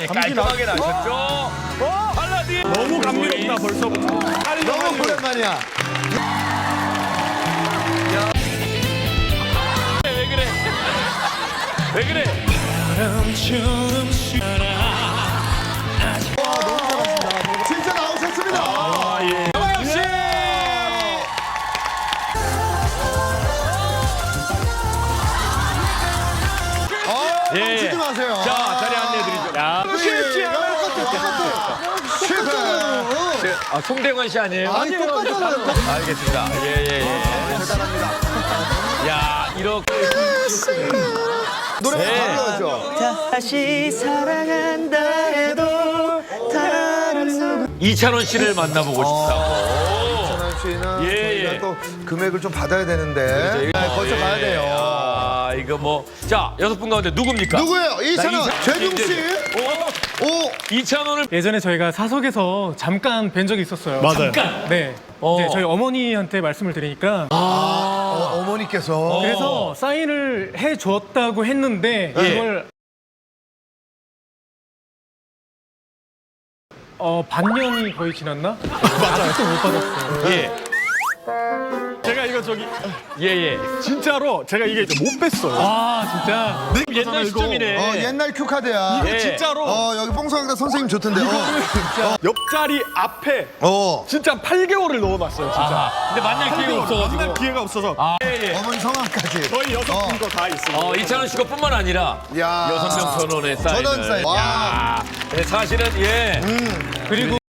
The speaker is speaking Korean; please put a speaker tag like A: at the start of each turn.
A: 깔끔하게 나셨죠? 팔라딘
B: 너무 감미롭다 벌써부터.
C: 너무 오랜만이야.
A: 왜 그래? 왜 그래?
C: 진짜 나오셨습니다.
A: 정영 씨! 예.
C: 치지 마세요.
A: 자, 자리 안내해드리죠. 야,
C: 똑같아.
A: 송대관 씨 아니에요?
C: 아니, 똑같잖아요.
A: 알겠습니다. 예.
C: 대단합니다.
A: 야, 이렇게.
C: 노래가
A: 네.
C: 달라죠.
D: 다시 사랑한다 해도 다른
A: 이찬원 씨를 만나보고 싶다고.
C: 이찬원 씨는
A: 예,
C: 저희가
A: 예.
C: 또 금액을 좀 받아야 되는데 거기서 가야 돼요.
A: 아, 이거 뭐. 자, 6분 가운데 누굽니까?
C: 누구예요? 이찬원,
A: 나
C: 재중 씨. 오,
A: 이찬원을.
B: 예전에 저희가 사석에서 잠깐 뵌 적이 있었어요.
E: 맞아요.
B: 네. 이제 저희 어머니한테 말씀을 드리니까
C: 어머니께서.
B: 그래서 사인을 해줬다고 했는데 이걸 반년이 거의 지났나? 아직도 못 받았어요.
A: 예.
E: 제가 이거 저기
A: 예.
E: 진짜로 제가 이게 못 뺐어요.
B: 아 진짜.
A: 옛날 시점이네.
C: 옛날 큐카드야.
A: 예.
E: 진짜로
C: 여기 뽕성학다 선생님 좋던데.
E: 옆자리 앞에
C: 어.
E: 진짜 8개월을 넣어놨어요. 진짜.
A: 아, 근데 만날 기회가 없어가지고.
E: 만날 기회가 없어서
A: 예.
C: 어머니 성함까지.
E: 저희 6분 거 다 있어요.
A: 이찬원 씨가 뿐만 아니라
C: 야.
A: 6명 전원의 사인을.
C: 전원 사인. 와.
A: 야. 네, 사실은 예.
B: 그리고